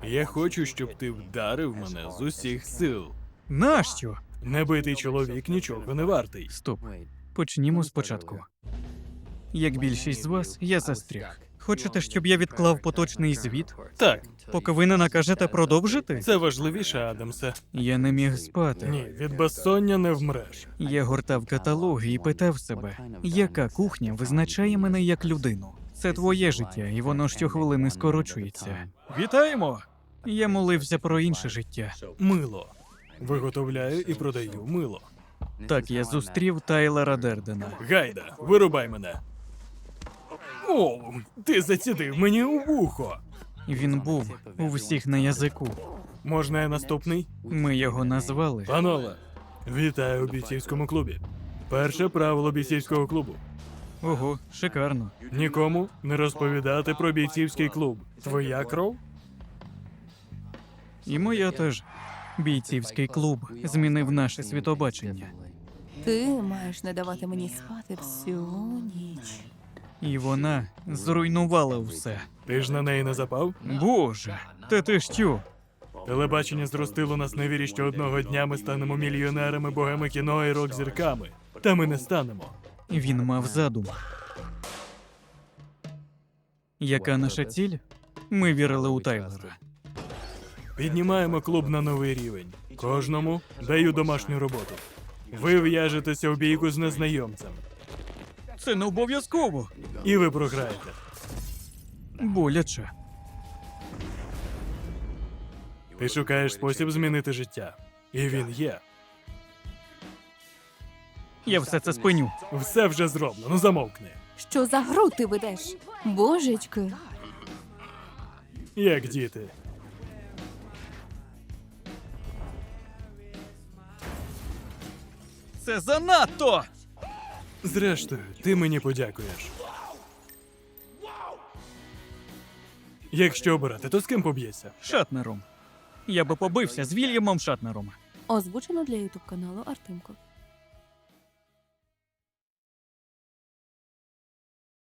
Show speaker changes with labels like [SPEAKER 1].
[SPEAKER 1] Я хочу, щоб ти вдарив мене з усіх сил.
[SPEAKER 2] Нащо?
[SPEAKER 1] Небитий чоловік нічого не вартий.
[SPEAKER 2] Стоп. Почнімо спочатку. Як більшість з вас, я застряг. Хочете, щоб я відклав поточний звіт,
[SPEAKER 1] Так,
[SPEAKER 2] поки ви не накажете продовжити?
[SPEAKER 1] це важливіше, Адамсе.
[SPEAKER 2] Я не міг спати.
[SPEAKER 1] Ні, від безсоння не вмреш.
[SPEAKER 2] Я гортав каталоги і питав себе, яка кухня визначає мене як людину. Це твоє життя, і воно щохвилини скорочується. Вітаємо! Я молився про інше життя.
[SPEAKER 1] Мило. Виготовляю і продаю мило.
[SPEAKER 2] Так я зустрів Тайлера Дердена.
[SPEAKER 1] Гайда, вирубай мене. О, ти зацідив мені у вухо.
[SPEAKER 2] Він був у всіх на язику.
[SPEAKER 1] Можна я наступний?
[SPEAKER 2] Ми його назвали.
[SPEAKER 1] Панове, вітаю у бійцівському клубі. Перше правило бійцівського клубу.
[SPEAKER 2] Ого, шикарно.
[SPEAKER 1] Нікому не розповідати про бійцівський клуб. Твоя кров?
[SPEAKER 2] І моя теж. Бійцівський клуб змінив наше світобачення.
[SPEAKER 3] Ти маєш не давати мені спати всю ніч.
[SPEAKER 2] І вона зруйнувала все.
[SPEAKER 1] Ти ж на неї не запав?
[SPEAKER 2] Боже, та ти що?
[SPEAKER 1] Телебачення зростило нас на вірі, що одного дня ми станемо мільйонерами, богами кіно і рок-зірками. Та ми не станемо.
[SPEAKER 2] Він мав задум. Яка наша ціль? Ми вірили у Тайлера.
[SPEAKER 1] Піднімаємо клуб на новий рівень. Кожному даю домашню роботу. Ви в'яжетеся у бійку з незнайомцем.
[SPEAKER 2] Це не обов'язково.
[SPEAKER 1] І ви програєте.
[SPEAKER 2] Боляче.
[SPEAKER 1] Ти шукаєш спосіб змінити життя. І він є.
[SPEAKER 2] Я все це спиню.
[SPEAKER 1] Все вже зроблено, замовкни.
[SPEAKER 3] Що за гру ти ведеш? Божечки.
[SPEAKER 1] Як діти.
[SPEAKER 2] Це занадто!
[SPEAKER 1] Зрештою, ти мені подякуєш. Якщо обирати, то з ким поб'єшся?
[SPEAKER 2] Шатнером. Я би побився з Вільямом Шатнером.
[SPEAKER 3] Озвучено для ютуб каналу Артемко.